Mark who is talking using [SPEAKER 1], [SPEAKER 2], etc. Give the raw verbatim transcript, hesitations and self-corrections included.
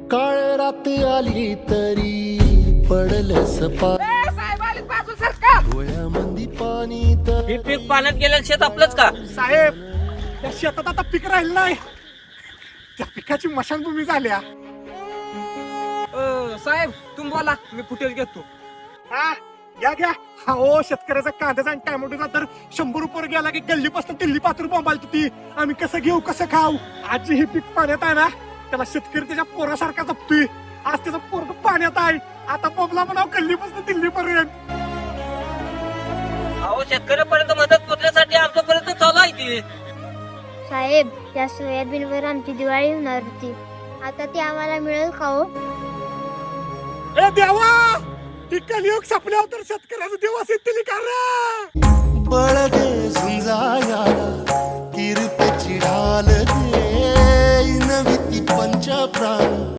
[SPEAKER 1] काळ रात आली तरी पडलस पा
[SPEAKER 2] साहेब आले बाजू सरका.
[SPEAKER 1] डोळ्यामंदी पाणी तर
[SPEAKER 3] हे पीक पाण्यात गेलेलं शेत आपलंच का?
[SPEAKER 2] साहेब त्या शेतात आता पीक राहिलं नाही, त्या पिकाची मशानभूमी झाल्या. साहेब तुम्ही बोला, मी फुटेज घेतो. हा घ्या घ्या. हा ओ शेतकऱ्याचा कांद्याचा आणि टॅमॅटोचा दर शंभर रुपये गेला की गल्लीपासून दिल्ली पात्र बोंबाल ती. आम्ही कसं घेऊ कसं खाऊ? आजी हे पीक पाण्यात आहे ना, त्याला शेतकरी त्याच्या पोरासारखा जपतोय. आज त्याचा पोरग पाण्यात आहे, आता बोबला म्हणाव गल्लीपासून दिल्लीपर्यंत.
[SPEAKER 3] अहो शेतकऱ्यापर्यंत मदत पोहोचण्यासाठी आमच्यापर्यंत चालू आहे ती.
[SPEAKER 4] साहेब त्या सोयाबीनवर आमची दिवाळी होणार होती, आता ती आम्हाला मिळेल का हो?
[SPEAKER 2] ए देवा, ती कलियुग संपल्यावर तर शेतकऱ्याचं दिवस येतील का रे?
[SPEAKER 1] बळ दे झुंजाया किरपेची ढाल दे नवी ती पंच प्राण